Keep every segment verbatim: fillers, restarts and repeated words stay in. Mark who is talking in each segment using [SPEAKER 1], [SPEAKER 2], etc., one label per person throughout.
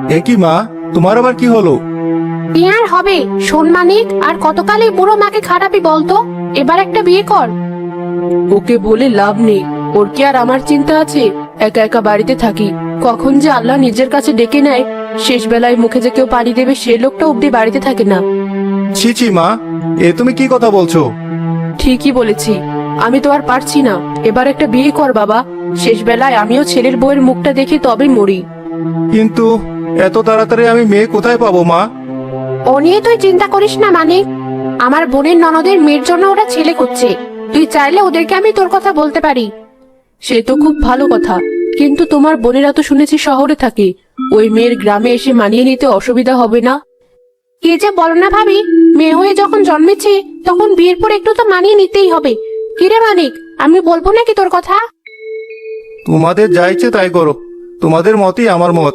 [SPEAKER 1] এ কি মা, তোমার আবার কি হলো?
[SPEAKER 2] কি আর হবে, শোন মানিক, আর কতকাল এই বুড়ো মাকে খারাপই বলতো। এবার একটা বিয়ে কর।
[SPEAKER 3] ওকে বলে লাভ নেই, ওর কি আর আমার চিন্তা আছে? একা একা বাড়িতে থাকি, কখন যে আল্লাহ নিজের কাছে ডেকে নেয়। শেষ বেলায় মুখে যে কেউ পানি দেবে সে লোকটা অব্দি বাড়িতে থাকে না।
[SPEAKER 1] ছি ছি মা, এ তুমি কি কথা বলছো?
[SPEAKER 3] ঠিকই বলেছি, আমি তো আর পারছি না। এবার একটা বিয়ে কর বাবা, শেষ বেলায় আমিও ছেলের বউয়ের মুখটা দেখে তবে মরি।
[SPEAKER 1] কিন্তু এত তাড়াতাড়ি আমি মেয়ে কোথায় পাবো মা?
[SPEAKER 2] ও নিয়ে তুই চিন্তা করিস না মানিক, আমার বোনের ননদের মেয়ের জন্য ওরা ছেলে করছে। তুই চাইলে ওদেরকে আমি তোর কথা বলতে পারি।
[SPEAKER 3] সে তো খুব ভালো কথা, কিন্তু তোমার বোনেরা তো শুনেছি শহরে থাকে, ওই মেয়ের গ্রামে এসে মানিয়ে নিতে অসুবিধা হবে না?
[SPEAKER 2] কে যে বলো না ভাবি, মেয়ে হয়ে যখন জন্মেছে তখন বিয়ের পর একটু তো মানিয়ে নিতেই হবে। কিরে মানিক, আমি বলবো নাকি তোর কথা?
[SPEAKER 1] তোমাদের যা ইচ্ছে তাই করো, তোমাদের মতই আমার মত।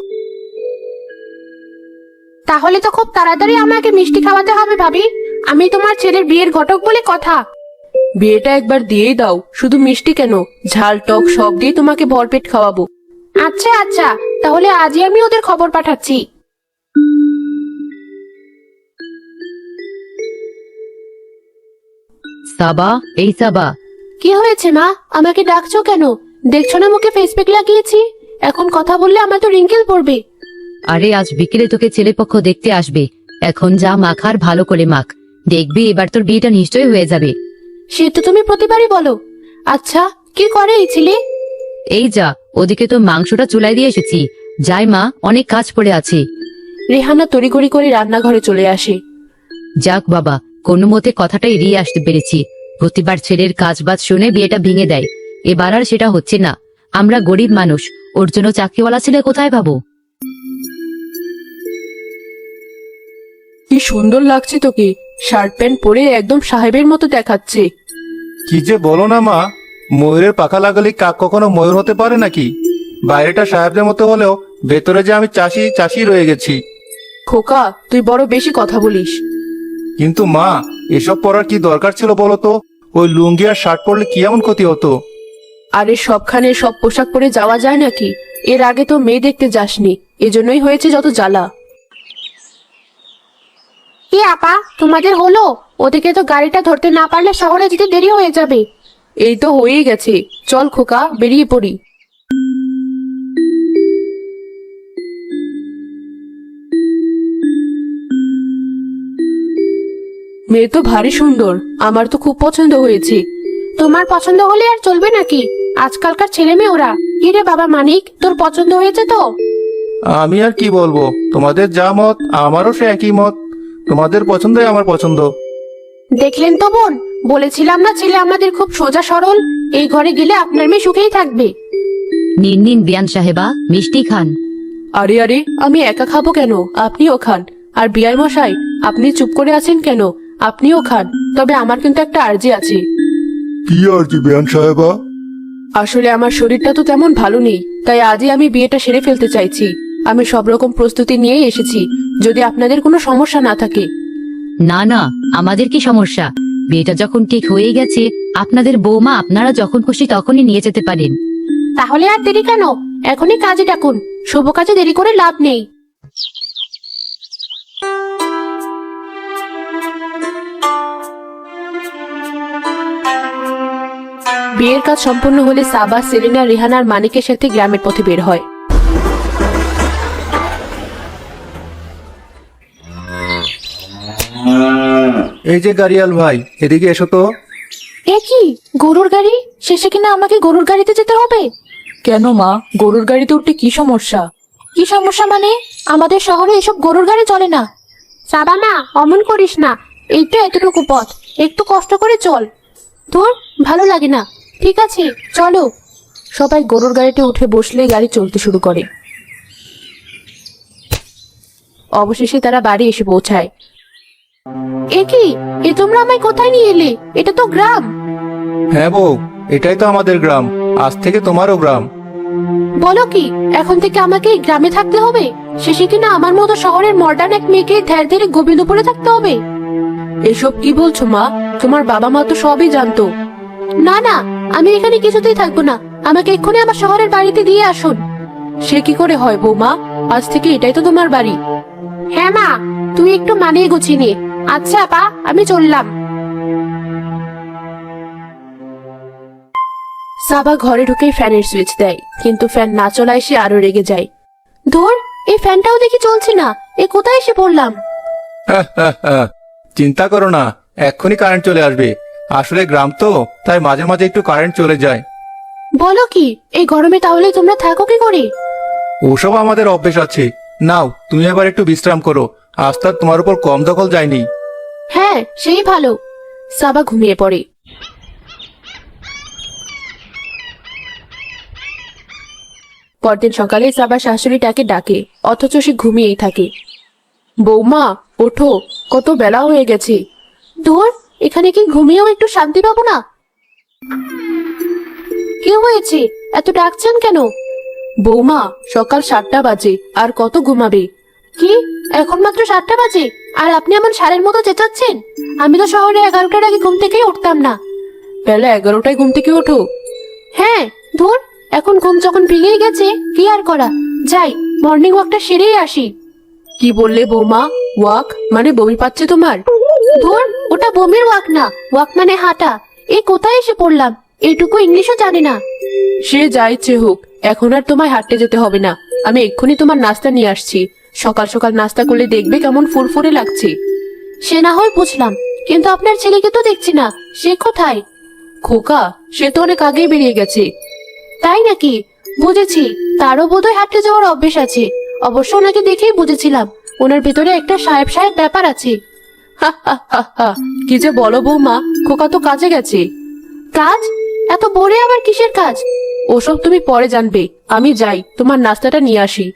[SPEAKER 2] তাহলে তো খুব তাড়াতাড়ি আমাকে মিষ্টি খাওয়াতে হবে ভাবি। আমি তোমার ছেলের বিয়ের ঘটক বলে কথা।
[SPEAKER 3] বিয়েটা একবার দিয়েই দাও, শুধু মিষ্টি কেন, ঝাল টক সব দিয়ে তোমাকে ভরপেট খাওয়াবো।
[SPEAKER 2] আচ্ছা আচ্ছা, তাহলে আজই আমি ওদের খবর পাঠাচ্ছি।
[SPEAKER 4] সাবা, এই সাবা।
[SPEAKER 2] কি হয়েছে মা, আমাকে ডাকছো কেন? দেখছো না মুখে ফেস প্যাক লাগিয়েছি? এখন কথা বললে আমার তো রিঙ্কেল পড়বে।
[SPEAKER 4] আরে আজ বিকেলে তোকে ছেলেপক্ষ দেখতে আসবে, এখন যা মাখার ভালো করে মাখ, দেখবি এবার তোর বিয়েটা নিশ্চয়ই হয়ে যাবে।
[SPEAKER 2] সে তো তুমি প্রতিবারই বলো। আচ্ছা, কি করে এই ছেলে?
[SPEAKER 4] এই যা, ওদিকে তো মাংসটা চুলায় দিয়ে এসেছি, যাই মা, অনেক কাজ পড়ে আছে।
[SPEAKER 3] রেহানা তড়িঘড়ি করে রান্নাঘরে চলে আসে।
[SPEAKER 4] যাক বাবা, কোনো মতে কথাটা এড়িয়ে আসতে পেরেছি। প্রতিবার ছেলের কাজ বাজ শুনে বিয়েটা ভেঙে দেয়, এবার আর সেটা হচ্ছে না। আমরা গরিব মানুষ, ওর জন্য চাকরিওয়ালা ছেলে কোথায় পাবো?
[SPEAKER 3] কি সুন্দর লাগছে তোকে, শার্ট প্যান্ট পরে একদম সাহেবের মতো দেখাচ্ছে।
[SPEAKER 1] কি যে বলো না মা, ময়ূরের পাখা লাগালে কাক কখনো ময়ূর হতে পারে নাকি? বাইরেটা সাহেবদের মতো হলেও ভেতরে যে আমি চাষি চাষি রয়ে গেছি।
[SPEAKER 3] খোকা, তুই বড় বেশি কথা বলিস।
[SPEAKER 1] কিন্তু মা, এসব পরার কি দরকার ছিল বলো তো? ওই লুঙ্গি আর শার্ট পরলে কি এমন ক্ষতি হতো?
[SPEAKER 3] আরে সবখানে সব পোশাক পরে যাওয়া যায় নাকি? এর আগে তো মেয়ে দেখতে যাসনি, এজন্যই হয়েছে যত জ্বালা।
[SPEAKER 2] কি আপা, তোমাদের হলো? ওদিকে তো গাড়িটা ধরতে না পারলে শহরে যেতে দেরি হয়ে যাবে।
[SPEAKER 3] এই তো হয়েই গেছে, চল খোকা, বেরিয়ে পড়ি। মেয়ে তো ভারী সুন্দর, আমার তো খুব পছন্দ হয়েছে।
[SPEAKER 2] তোমার পছন্দ হলে আর চলবে নাকি? আজকালকার ছেলে মেয়ে ওরা। কি রে বাবা মানিক, তোর পছন্দ হয়েছে তো?
[SPEAKER 1] আমি আর কি বলবো, তোমাদের যা মত আমারও সে একই মত। তোমাদের পছন্দই আমার পছন্দ।
[SPEAKER 2] দেখলেন তো বোন, বলেছিলাম না ছেলে আমাদের খুব সোজা সরল। এই ঘরে গেলে আপনার মেয়ে সুখেই থাকবে।
[SPEAKER 4] নিন নিন বিয়ান সাহেবা, মিষ্টি খান।
[SPEAKER 3] আরে আরে, আমি একা খাবো কেন, আপনিও খান। আর বিয়াই মশাই, আপনি চুপ করে আছেন কেন? আপনিও খান, তবে আমার কিন্তু একটা আর্জি আছে।
[SPEAKER 1] কি আর জি বেয়ান সাহেবা?
[SPEAKER 3] আসলে আমার শরীরটা তো তেমন ভালো নেই, তাই আজই আমি বিয়েটা সেরে ফেলতে চাইছি। আমি সব রকম প্রস্তুতি নিয়েই এসেছি, যদি আপনাদের কোনো সমস্যা না থাকে।
[SPEAKER 4] না না, আমাদের কি সমস্যা? বিয়েটা যখন ঠিক হয়ে গেছে, আপনাদের বৌমা আপনারা যখন খুশি তখনই নিয়ে যেতে পারেন।
[SPEAKER 2] তাহলে আর দেরি কেন, এখনই কাজে ডাকুন। শুভ কাজে দেরি করে লাভ নেই।
[SPEAKER 3] বিয়ের কাজ সম্পন্ন হলে সাবা, সেলিনা, রেহানার মানিকের সাথে গ্রামের পথে বের হয়।
[SPEAKER 1] এই যে গাড়িয়াল ভাই, এদিকে এসো তো।
[SPEAKER 2] এ কি, গরুর গাড়ি? শেষে কিনা আমাকে গরুর গাড়িতে যেতে হবে?
[SPEAKER 3] কেন মা, গরুর গাড়িতে উঠতে কি সমস্যা?
[SPEAKER 2] কি সমস্যা মানে? আমাদের শহরে এসব গরুর গাড়ি চলে না। সাবা মা, অমন করিস না। এই তো এতটুকু পথ, একটু কষ্ট করে চল। তোর ভালো লাগে না? ঠিক আছে, চলো।
[SPEAKER 3] সবাই গরুর গাড়িতে উঠে বসলে গাড়ি চলতে শুরু করে। অবশেষে তারা বাড়ি এসে পৌঁছায়।
[SPEAKER 2] এ কি, এ তোমরা আমায় কোথায় নিয়ে এলে? এটা তো গ্রাম।
[SPEAKER 1] হ্যাঁ বউ, এটাই তো আমাদের গ্রাম, আজ থেকে তোমারও গ্রাম।
[SPEAKER 2] বলো কি, এখন থেকে আমাকে এই গ্রামে থাকতে হবে? শেষে কিনা আমার মতো শহরের মডার্ন এক মেয়েকে ধ্যার ধরে গোবিন্দপুরে থাকতে হবে?
[SPEAKER 3] এসব কি বলছো মা? তোমার বাবা মা তো সবই জানতো।
[SPEAKER 2] না না, আমি এখানে কিছুতেই থাকবো না। আমাকে এক্ষুনি আমার শহরের বাড়িতে দিয়ে আসুন।
[SPEAKER 3] সে কি করে হয় বৌমা? আজ থেকে এটাই তো তোমার বাড়ি।
[SPEAKER 2] হ্যাঁ মা, তুই একটু মানিয়ে গুছিয়ে নে। আচ্ছা আপা, আমি চললাম।
[SPEAKER 3] সাবা ঘরে ঢুকেই ফ্যানের সুইচ দেয়, কিন্তু ফ্যান না চলায় সে আরো রেগে যায়।
[SPEAKER 2] ধুর, এই ফ্যানটাও দেখি চলছে না, এ কোথায় এসে পড়লাম?
[SPEAKER 1] চিন্তা করো না, এক্ষুনি কারেন্ট চলে আসবে। আসলে গ্রাম তো, তাই মাঝে মাঝে একটু কারেন্ট চলে যায়।
[SPEAKER 2] বলো কি, এই গরমে তাহলে তোমরা থাকো কি করে?
[SPEAKER 1] ওসব আমাদের অভ্যেস আছে। নাও, তুমি এবার একটু বিশ্রাম করো। আজ তার তোমার উপর কম দখল যায়নি।
[SPEAKER 2] হ্যাঁ, সেই ভালো।
[SPEAKER 3] সাবা ঘুমিয়ে পড়ে। পরদিন সকালে সাবা শাশুড়িটাকে ডাকে, অথচ সে ঘুমিয়েই থাকে। বৌমা, ওঠো, কত বেলা হয়ে গেছে।
[SPEAKER 2] ধুর, এখানে কি ঘুমিয়েও একটু শান্তি পাবো না? কি হয়েছে, এত ডাকছেন কেন?
[SPEAKER 3] বৌমা, সকাল সাতটা বাজে, আর কত ঘুমাবে?
[SPEAKER 2] কি, এখন মাত্র সাতটা বাজে আর আপনি এমন সারের মতো চেঁচাচ্ছেন? আমি তো শহরে এগারোটার আগে ঘুম থেকেই উঠতাম না।
[SPEAKER 3] বেলা এগারোটায় ঘুম থেকে ওঠো?
[SPEAKER 2] হ্যাঁ, ধুর, এখন ঘুম যখন ভেঙেই গেছে, কি আর করা। যাই, মর্নিং ওয়াকটা সেরেই আসি।
[SPEAKER 3] কি বললে বৌমা? ওয়াক মানে বমি পাচ্ছে তোমার?
[SPEAKER 2] ধুর, ওটা বমির ওয়াক না, ওয়াক মানে হাঁটা। এই কোথায় এসে পড়লাম, এইটুকু ইংলিশও জানি না।
[SPEAKER 3] সে যা ইচ্ছে হোক, এখন আর তোমায় হাঁটতে যেতে হবে না। আমি এক্ষুনি তোমার নাস্তা নিয়ে আসছি। সকাল সকাল নাস্তা করলে দেখবে কেমন ফুরফুরে লাগছে।
[SPEAKER 2] সে না হয় বুঝলাম, কিন্তু আপনার ছেলেকে তো দেখছি না, সে কোথায়?
[SPEAKER 3] খোকা, সে তো অনেক আগেই বেরিয়ে গেছে।
[SPEAKER 2] তাই নাকি? বুঝেছি, তারও বোধহয় হাঁটতে যাওয়ার অভ্যেস আছে। অবশ্য ওনাকে দেখেই বুঝেছিলাম ওনার ভেতরে একটা সাহেব সাহেব ব্যাপার আছে।
[SPEAKER 3] হা হা হা হা, কি যে বলো বৌমা, খোকা তো কাজে গেছে।
[SPEAKER 2] কাজ? এত ভোরে আবার কিসের কাজ?
[SPEAKER 3] ওসব তুমি পরে জানবে, আমি যাই, তোমার নাস্তাটা নিয়ে আসি।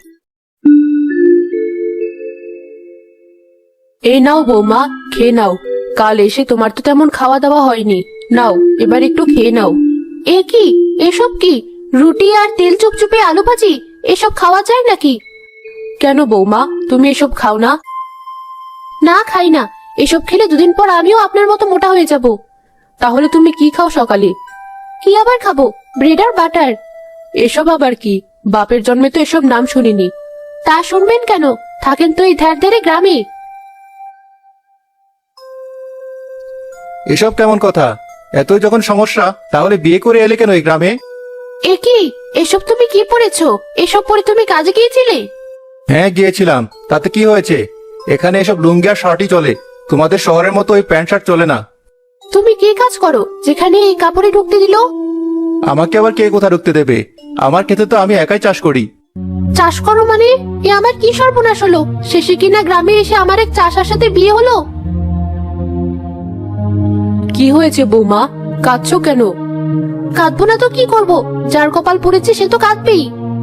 [SPEAKER 3] এই নাও বৌমা, খেয়ে নাও। কাল এসে তোমার তো তেমন খাওয়া দাওয়া হয়নি। নাও, এবার একটু খেয়ে নাও।
[SPEAKER 2] এ কি, এসব কি? রুটি আর তেল চুপচুপে আলু ভাজি, এসব খাওয়া যায় নাকি?
[SPEAKER 3] কেন বৌমা, তুমি এসব খাও না?
[SPEAKER 2] না, খাই না। এসব খেলে দুদিন পর আমিও আপনার মতো মোটা হয়ে যাব।
[SPEAKER 3] তাহলে তুমি কি খাও সকালে?
[SPEAKER 2] কি আবার খাবো? ব্রেড আর বাটার।
[SPEAKER 3] এসব আবার কি? বাপের জন্মে তো এসব নাম শুনিনি।
[SPEAKER 2] তা শুনবেন কেন? থাকেন তো এই ধার ধারে গ্রামে।
[SPEAKER 1] এসব কেমন কথা? এতই যখন সমস্যা, তাহলে বিয়ে করে এলে কেন এই গ্রামে?
[SPEAKER 2] এ কি, এসব তুমি কি পড়েছো? এসব পরে তুমি কাজে গিয়েছিলে?
[SPEAKER 1] হ্যাঁ, গিয়েছিলাম। তাতে কি হয়েছে? এখানে এসব লুঙ্গি আর শার্টই চলে। তোমাদের শহরের মতো ওই প্যান্ট শার্ট চলে না।
[SPEAKER 2] তুমি কি কাজ করো যেখানে এই কাপড়ে ঢুকতে দিল?
[SPEAKER 1] আমাকে আবার কে কোথা ঢুকতে দেবে? আমার ক্ষেতে তো আমি একাই চাষ করি।
[SPEAKER 2] চাষ করো মানে? এ আমার কি সর্বনাশ হলো? শেষে কিনা গ্রামে এসে আমার এক চাষার সাথে বিয়ে হলো।
[SPEAKER 3] কি হয়েছে বৌমা, কাঁদছো কেন?
[SPEAKER 2] কাঁদবো না তো কি করব? যার কপাল পড়েছে সে তো কাঁদবেই।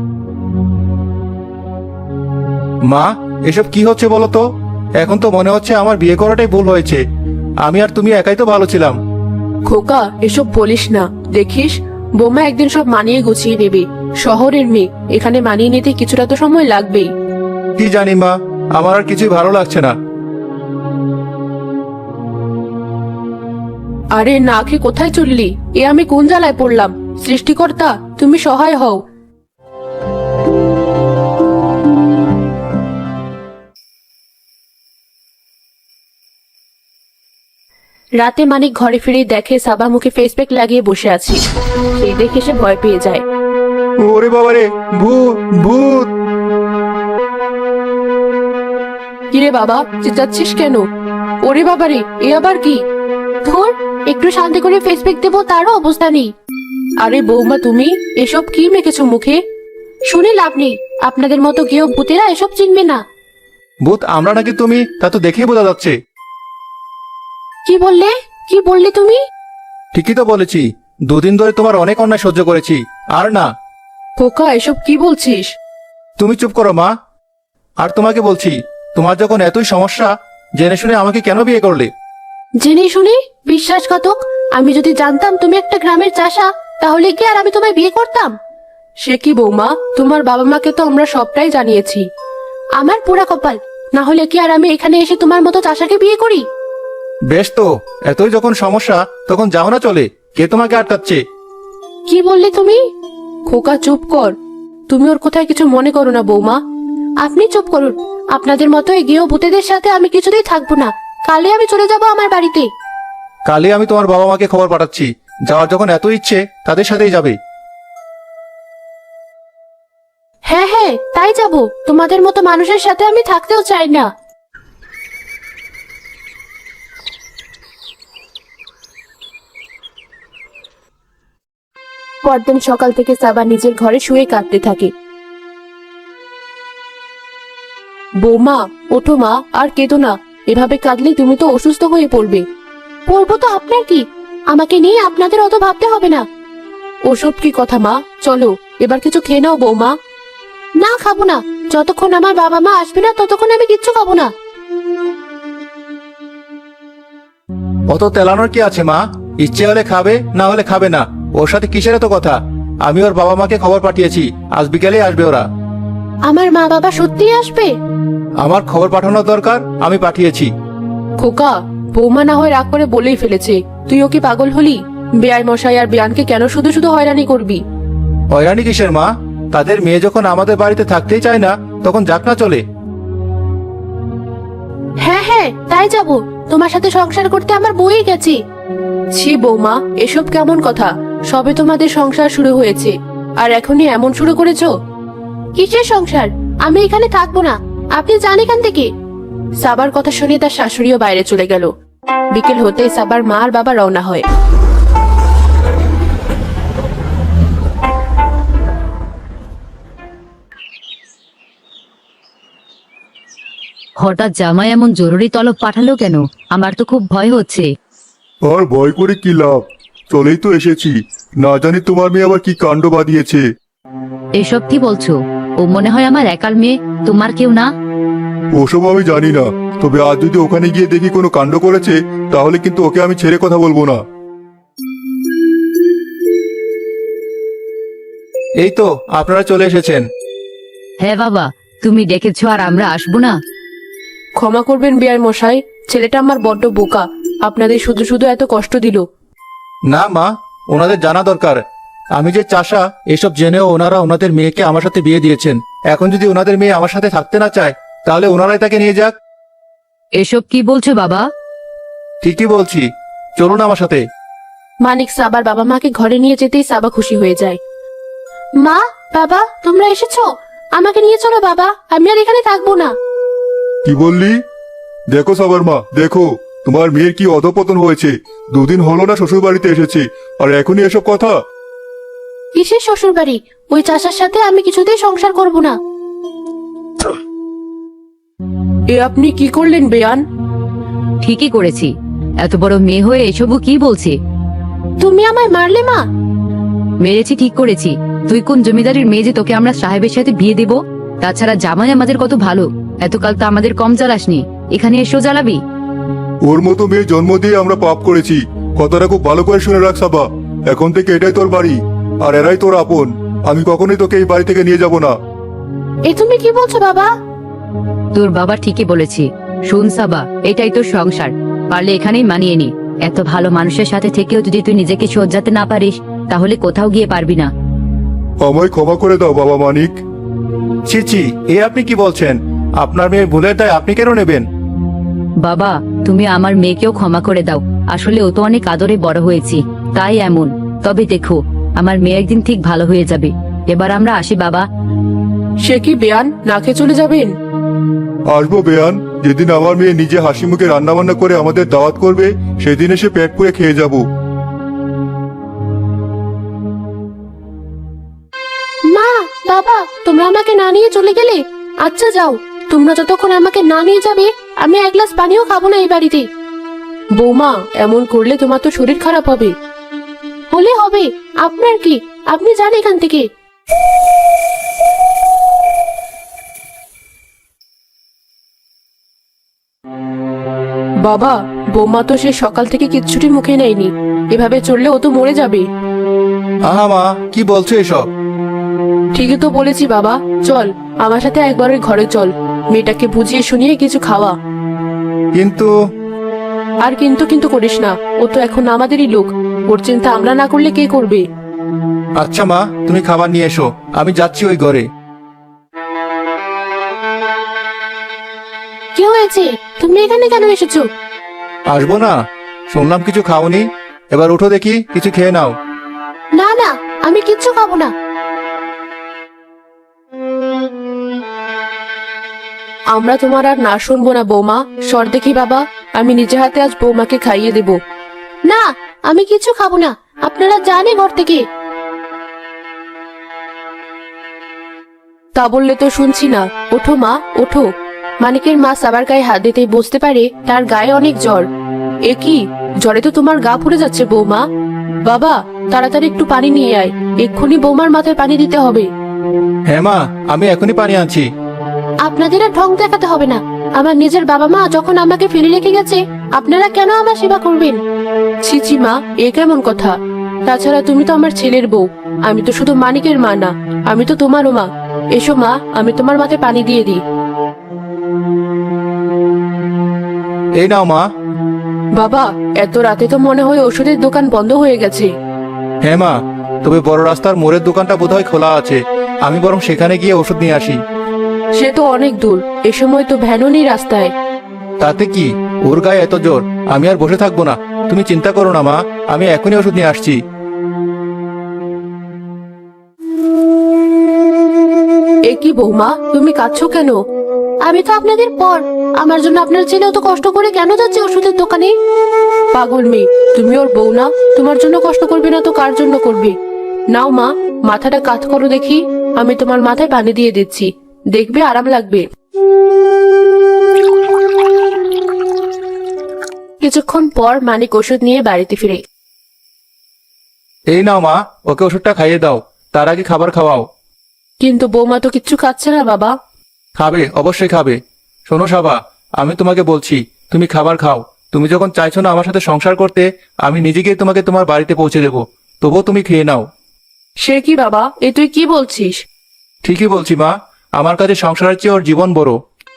[SPEAKER 1] মা, এসব কি হচ্ছে বলো তো? এখন তো মনে হচ্ছে আমার বিয়ে করাটাই ভুল হয়েছে। আমি আর তুমি একাই তো ভালো ছিলাম।
[SPEAKER 3] খোকা, এসব বলিস না। দেখিস, বৌমা একদিন সব মানিয়ে গুছিয়ে নেবে। শহরের মেয়ে, এখানে মানিয়ে নিতে কিছুটা তো সময় লাগবেই।
[SPEAKER 1] কি জানি মা, আমার আর কিছুই ভালো লাগছে না।
[SPEAKER 3] আরে না খেয়ে কোথায় চললি? এ আমি কোন জ্বালায় পড়লাম? সৃষ্টিকর্তা, তুমি সহায় হও। রাতে মানিক ঘরে ফিরে দেখে সাবা মুখে ফেস প্যাক লাগিয়ে বসে আছে। সেই দেখে সে ভয় পেয়ে যায়।
[SPEAKER 1] ওরে বাবারে, ভূত ভূত!
[SPEAKER 3] কিরে বাবা, চেঁচাচ্ছিস কেন? ওরে বাবারে, এ আবার কি?
[SPEAKER 2] ধুর, একটু শান্তি করে ফেসবুক দেবো তারও অবস্থা নেই।
[SPEAKER 3] আরে বৌমা, তুমি এসব কি মেখেছো মুখে?
[SPEAKER 2] শুনে লাভ নেই, আপনাদের মতো কেউ ভূতেরা এসব চিনবে না।
[SPEAKER 1] ভূত আমরা নাকি তুমি, তা তো দেখেই বোঝা যাচ্ছে।
[SPEAKER 2] কি বললে? কি বললে তুমি?
[SPEAKER 1] ঠিকই তো বলেছি। দুদিন ধরে তোমার অনেক অন্যায় সহ্য করেছি, আর না।
[SPEAKER 3] খোকা, এসব কি বলছিস?
[SPEAKER 1] তুমি চুপ করো মা। আর তোমাকে বলছি, তোমার যখন এতই সমস্যা, জেনে শুনে আমাকে কেন বিয়ে করলে?
[SPEAKER 2] জেনে শুনে? বিশ্বাসঘাতক! আমি যদি জানতাম তুমি একটা গ্রামের চাষা, তাহলে কি আর আমি তোমায় বিয়ে করতাম?
[SPEAKER 3] সে কি বৌমা, তোমার বাবা মাকে তো আমরা সবটাই জানিয়েছি।
[SPEAKER 2] আমার পোড়া কপাল, না হলে কি আর আমি এখানে এসে তোমার মতো চাষাকে বিয়ে করি?
[SPEAKER 1] বেশ তো, এতই যখন সমস্যা, তখন যাও না চলে। কে তোমাকে আটকাচ্ছে?
[SPEAKER 2] কি বললে তুমি?
[SPEAKER 3] খোকা চুপ কর, তুমি ওর কোথায় কিছু মনে করো না বৌমা।
[SPEAKER 2] আপনি চুপ করুন। আপনাদের মতো এগিয়েও ভূতেদের সাথে আমি কিছুতেই থাকবো না। কালই আমি চলে যাব আমার বাড়িতে।
[SPEAKER 1] কালই আমি তোমার বাবা মাকে খবর পাঠাচ্ছি, যাওয়ার যখন এত ইচ্ছে তাদের সাথেই যাবে।
[SPEAKER 2] হ্যাঁ হ্যাঁ, তাই যাব। তোমাদের মতো মানুষের সাথে আমি থাকতেও চাই না। পরদিন সকাল থেকে সাবা নিজের ঘরে শুয়ে কাঁদতে থাকে। বৌমা, ওঠো মা, আর কেঁদো না। এভাবে কাঁদলে তুমি তো অসুস্থ হয়ে পড়বে। পড়বো তো আপনার কি? আমাকে নিয়ে আপনাদের অত ভাবতে হবে না। ওসব কি কথা মা? চলো এবার কিছু খেয়ে নাও বৌমা। না, খাবো না। যতক্ষণ আমার বাবা মা আসবে না ততক্ষণ আমি কিচ্ছু খাবো না।
[SPEAKER 1] অত তেলানোর কি আছে মা? ইচ্ছে হলে খাবে, না হলে খাবে না। ওর সাথে কিসের এত কথা? আমি ওর বাবা মাকে খবর পাঠিয়েছি, আজ বিকেলেই আসবে ওরা।
[SPEAKER 2] আমার মা বাবা সত্যিই আসবে?
[SPEAKER 1] আমার খবর পাঠানোর দরকার, আমি পাঠিয়েছি।
[SPEAKER 3] খোকা, বৌমা না হয় রাগ করে বলেই ফেলেছে। তুইও কি পাগল হলি? বেয়াই মশাই আর বেয়ানকে কেন শুধু শুধু হয়রানি করবি?
[SPEAKER 1] হয়রানি কিসের মা? তাদের মেয়ে যখন আমাদের বাড়িতে থাকতেই চায় না, তখন যাক না চলে।
[SPEAKER 2] হ্যাঁ হ্যাঁ, তাই যাব। তোমার সাথে সংসার করতে আমার বই গেছে।
[SPEAKER 3] ছি বৌমা, এসব কেমন কথা? সবে তোমাদের সংসার শুরু হয়েছে, আর এখনই এমন শুরু করেছো?
[SPEAKER 2] কিসের সংসার? আমি এখানে থাকবো না। আপনি যান এখান থেকে।
[SPEAKER 3] সাবার কথা শুনে তার শাশুড়িও বাইরে চলে গেল। বিকেল হতেই সাবার মা আর বাবা রওনা হয়।
[SPEAKER 4] হঠাৎ জামাই এমন জরুরি তলব পাঠালো কেন? আমার তো খুব ভয় হচ্ছে।
[SPEAKER 5] আর ভয় করে কি লাভ? চলেই তো এসেছি। না জানি তোমার মেয়ে আবার কি কাণ্ড বাঁধিয়েছে।
[SPEAKER 4] এসব কি বলছো? ও মনে হয় আমার একার মেয়ে, তোমার কেউ না।
[SPEAKER 5] ওসব আমি জানি না, তবে আজ যদি ওখানে গিয়ে দেখি কোনো কাণ্ড করেছে, তাহলে কিন্তু ওকে আমি ছেড়ে কথা বলবো না।
[SPEAKER 1] এই তো আপনারা চলে এসেছেন।
[SPEAKER 4] হ্যাঁ বাবা, তুমি ডেকেছো আর আমরা আসবো না?
[SPEAKER 3] ক্ষমা করবেন বেয়াই মশাই, ছেলেটা আমার বড্ড বোকা। আপনাদের শুধু শুধু এত কষ্ট দিল।
[SPEAKER 1] না মা, ওনাদের জানা দরকার। আমি যে চাষা এসব জেনেও ওনারা ওনাদের মেয়েকে আমার সাথে বিয়ে দিয়েছেন। এখন যদি ওনাদের মেয়ে আমার সাথে থাকতে না চায়, তাহলে ওনারাই তাকে নিয়ে যাক।
[SPEAKER 4] এসব কি বলছো বাবা?
[SPEAKER 1] ঠিকই বলছি, চলুন আমার সাথে।
[SPEAKER 3] মানিক সাবার বাবা মাকে ঘরে নিয়ে যেতেই সাবা খুশি হয়ে যায়।
[SPEAKER 2] মা, বাবা, তোমরা এসেছো? আমাকে নিয়ে চলো বাবা, আমি আর এখানে থাকবো না।
[SPEAKER 5] কি বললি? দেখো সবার মা, দেখো তোমার মেয়ের কি অধপতন হয়েছে। দুদিন হলো না শ্বশুর বাড়িতে এসেছে, আর এখনই এসব কথা।
[SPEAKER 2] কিসের শ্বশুর বাড়ি? ওই চাষার সাথে আমি কিছুতেই সংসার করব না।
[SPEAKER 3] এ আপনি কি করলেন বেয়ান?
[SPEAKER 4] ঠিকই করেছি। এত বড় মেয়ে হয়ে এসবও কি বলছে?
[SPEAKER 2] তুমি আমায় মারলে মা?
[SPEAKER 4] মেরেছি ঠিক করেছি। তুই কোন জমিদারের মেয়ে যে তোকে আমরা সাহেবের সাথে বিয়ে দেব? তাছাড়া জামাই আমাদের কত ভালো, এতকাল তো আমাদের কম জ্বালাসনি, এখানে এসেও জ্বালাবি?
[SPEAKER 5] ওর মতো মেয়ে জন্ম দিয়ে আমরা পাপ করেছি। কথাটা খুব ভালো করে শুনে রাখ সাবা। এখন থেকে এটাই তোর বাড়ি, আর এরাই তোর আপন। আমি কখনোই তোকে এই বাড়ি থেকে নিয়ে যাব না।
[SPEAKER 2] এ তুমি কি বলছো বাবা?
[SPEAKER 4] তোর বাবা ঠিকই বলেছে। শুন সাবা, এটাই তোর সংসার, পারলে এখানেই মানিয়ে নি। এত ভালো মানুষের সাথে থেকেও যদি তুই নিজেকে সজ্জাতে না পারিস, তাহলে কোথাও গিয়ে পারবি না।
[SPEAKER 5] আমায় ক্ষমা করে দাও বাবা মানিক।
[SPEAKER 1] ছি ছি, এ আপনি কি বলছেন? আপনার মেয়ের ভুলের দায় আপনি কেন নেবেন?
[SPEAKER 4] বাবা, তুমি আমার মেয়েকেও ক্ষমা করে দাও। আসলে ও তো অনেক আদরে বড় হয়েছি, তাই এমন। তবে দেখো, আমার মেয়ে একদিন ঠিক ভালো হয়ে যাবে। এবার আমরা আসি বাবা।
[SPEAKER 3] সে কি বেয়ান, না খেয়ে চলে যাবেন?
[SPEAKER 5] আসবো বেয়ান, যেদিন আমার মেয়ে নিজে হাসি মুখে রান্না বান্না করে আমাদের দাওয়াত করবে, সেদিন এসে পেট পুড়ে খেয়ে যাব।
[SPEAKER 2] মা, বাবা, তোমরা আমাকে না নিয়ে চলে গেলে? আচ্ছা যাও, তোমরা যতক্ষণ আমাকে না নিয়ে যাবে আমি এক গ্লাস পানিও খাবো না এই বাড়িতে।
[SPEAKER 3] বৌমা, এমন করলে তোমার তো শরীর খারাপ হবে।
[SPEAKER 2] হলে হবে, আপনার কি? আপনি যান এখান থেকে।
[SPEAKER 3] বাবা, বৌমা তো সে সকাল থেকে কিচ্ছুটি মুখে নেয়নি। এভাবে চললে ও তো মরে যাবে।
[SPEAKER 1] আহা মা, কি বলছো এসব?
[SPEAKER 3] ঠিকই তো বলেছি বাবা। চল আমার সাথে একবার ওই ঘরে চল, মেয়েটাকে বুঝিয়ে শুনিয়ে কিছু খাওয়া।
[SPEAKER 1] কিন্তু
[SPEAKER 3] আর কিন্তু কিন্তু করিস না, ও তো এখন আমাদেরই লোক। ওর চিন্তা আমরা না করলে কে করবে?
[SPEAKER 1] আচ্ছা মা, তুমি খাবার নিয়ে এসো, আমি যাচ্ছি ওই ঘরে।
[SPEAKER 2] হয়েছে? তুমি এখানে কেন এসেছো?
[SPEAKER 1] আসবো না? শুনলাম কিছু খাওনি। এবার উঠো দেখি, কিছু খেয়ে নাও।
[SPEAKER 2] না না, আমি কিচ্ছু খাবো না।
[SPEAKER 3] আমরা তোমার আর না শুনবো না বৌমা। সর দেখি বাবা, আমি নিজে হাতে আজ বৌমাকে খাইয়ে দেব।
[SPEAKER 2] না, আমি কিছু খাবো না। আপনারা জানে ঘর থেকে।
[SPEAKER 3] তা বললে তো শুনছি না। ওঠো মা, ওঠো। মানিকের মা সাবার গায়ে হাত দিতেই বুঝতে পারে তার গায়ে অনেক জ্বর। এ কি, জ্বরে তো তোমার গা পুড়ে যাচ্ছে বৌমা। বাবা, তাড়াতাড়ি একটু পানি নিয়ে আয়, এক্ষুনি বৌমার মাথায় পানি দিতে হবে।
[SPEAKER 1] হ্যাঁ মা, আমি এখনই পানি আনছি।
[SPEAKER 2] আপনাদের আর ঢং দেখাতে হবে না। আমার নিজের বাবা মা যখন আমাকে ফেলে রেখে গেছে, আপনারা কেন আমার সেবা করবেন?
[SPEAKER 3] ছিছি মা, এ কেমন কথা? তাছাড়া তুমি তো আমার ছেলের বউ, আমি তো শুধু মানিকের মা না, আমি তো তোমারও মা। এসো মা, আমি তোমার মাথায় পানি দিয়ে দিই।
[SPEAKER 1] এই নাও মা।
[SPEAKER 3] বাবা, এত রাতে তো মনে হয় ওষুধের দোকান বন্ধ হয়ে গেছে।
[SPEAKER 1] হ্যাঁ মা, তবে বড় রাস্তার মোড়ের দোকানটা বোধহয় খোলা আছে। আমি বরং সেখানে গিয়ে ওষুধ নিয়ে আসি।
[SPEAKER 3] সে তো অনেক দূর, এ সময় তো ভ্যানও নেই রাস্তায়।
[SPEAKER 1] তাতে কি, ওর গায়ে এত জোর, আমি আর বসে থাকবো না। তুমি চিন্তা করো না মা, আমি এখনই ওষুধ নিয়ে আসছি।
[SPEAKER 3] এ কি বৌমা, তুমি কাঁদছো কেন?
[SPEAKER 2] আমি তো আপনাদের পর। আমার জন্য আপনার ছেলেও তো কষ্ট করে কেন যাচ্ছে ওষুধের দোকানে?
[SPEAKER 3] পাগল মেয়ে, তুমি ওর বউ না? তোমার জন্য কষ্ট করবে না তো কার জন্য করবে? নাও মা, মাথাটা কাত করো দেখি, আমি তোমার মাথায় পানি দিয়ে দিচ্ছি, দেখবে আরাম লাগবে। কিছুক্ষণ পর মানিক ওষুধ নিয়ে বাড়িতে ফিরে।
[SPEAKER 1] এই নাও মা, ওকে ওষুধটা খাইয়ে দাও, তার আগে খাবার খাওয়াও।
[SPEAKER 3] কিন্তু বৌমা তো কিচ্ছু খাচ্ছে না বাবা।
[SPEAKER 1] খাবে, অবশ্যই খাবে। শোনো সাবা, আমি তোমাকে বলছি, তুমি খাবার খাও। তুমি যখন চাইছো না আমার সাথে সংসার করতে, আমি নিজে গিয়ে তোমাকে তোমার বাড়িতে পৌঁছে দেবো, তবুও তুমি খেয়ে নাও।
[SPEAKER 3] সে কি বাবা, এ তুই কি বলছিস?
[SPEAKER 1] ঠিকই বলছি মা, আমার কাছে সংসারের চেয়ে ওর জীবন বড়।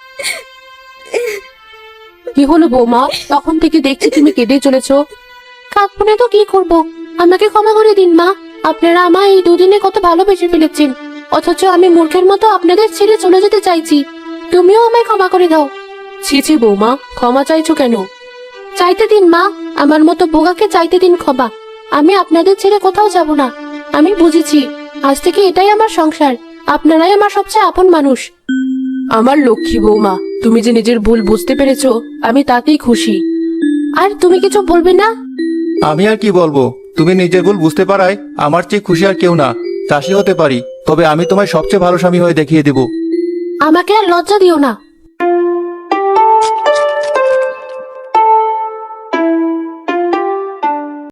[SPEAKER 3] কি হলো বৌমা, তখন থেকে দেখছি তুমি কেঁদে চলেছো।
[SPEAKER 2] কাঁদবো না তো কি করবো? আমাকে ক্ষমা করে দিন মা। আপনারা আমায় এই দুদিনে কত ভালোবেসে ফেলেছেন, অথচ আমি মূর্খের মতো আপনাদের ছেড়ে চলে যেতে চাইছি। তুমিও আমায় ক্ষমা করে দাও।
[SPEAKER 3] ছি ছি বৌমা, ক্ষমা চাইছো কেন?
[SPEAKER 2] চাইতে দিন মা, আমার মতো বোগাকে চাইতে দিন ক্ষমা। আমি আপনাদের ছেড়ে কোথাও যাব না। আমি বুঝেছি, আজ থেকে এটাই আমার সংসার। আপনারাই আমার সবচেয়ে আপন মানুষ।
[SPEAKER 3] আমার লক্ষ্মী বৌমা, তুমি যে নিজের ভুল বুঝতে পেরেছো, আমি তাতেই খুশি।
[SPEAKER 2] আর তুমি কিছু বলবে না?
[SPEAKER 1] আমি আর কি বলবো, তুমি নিজের ভুল বুঝতে পারায় আমার চেয়ে খুশি আর কেউ না। চাষি হতে পারি, তবে আমি তোমায় সবচেয়ে ভালো স্বামী হয়ে দেখিয়ে দেব।
[SPEAKER 2] আমাকে আর লজ্জা দিও না।